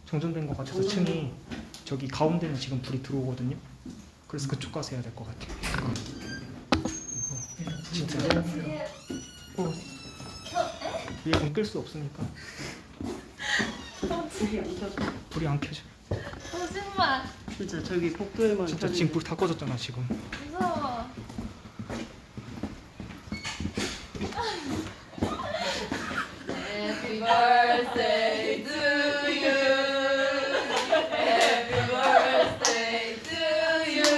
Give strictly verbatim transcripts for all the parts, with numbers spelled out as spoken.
정전된 것 같아서 층이 저기 가운데는 지금 불이 들어오거든요. 그래서 그쪽 가서 해야 될 것 같아요. 잠깐. 진짜 어, 위에 끌 수 없으니까 불이 안 켜져. 거짓말. 진짜 저기 복도에만 진짜 켜지네. 지금 불 다 꺼졌잖아 지금. 무서워. Happy birthday to you. Happy birthday to you.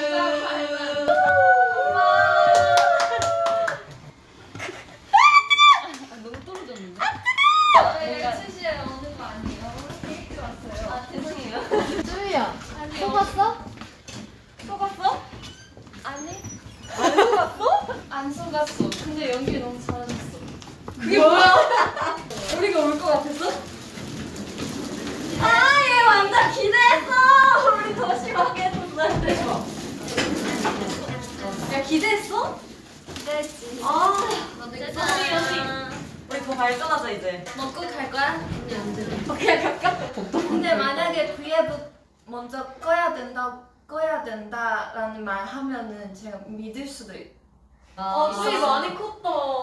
아, 너무 떨어졌는데? 뭔가 춘시에 오는 거 아니에요? 케이크 왔어요. 아 죄송해요. 쭈이야. 속았어? 속았어? 아니. 안 속았어? 안 속았어. 근데 연기 너무 잘하셨어. 그게 뭐야? 우리가 올 것 같았어? 아, 얘 완전 기대했어! 우리 더 심하게 했었어야 돼. 야, 기대했어? 기대했지. 아, 언니 언니. 우리 더 발전하자 이제. 너 꼭 갈 거야? 언니 안 돼. 그냥 가깝게. 근데 만약에 브이앱 먼저 꺼야 된다, 꺼야 된다라는 말 하면은 제가 믿을 수도 있. 어, 수위 많이 컸다.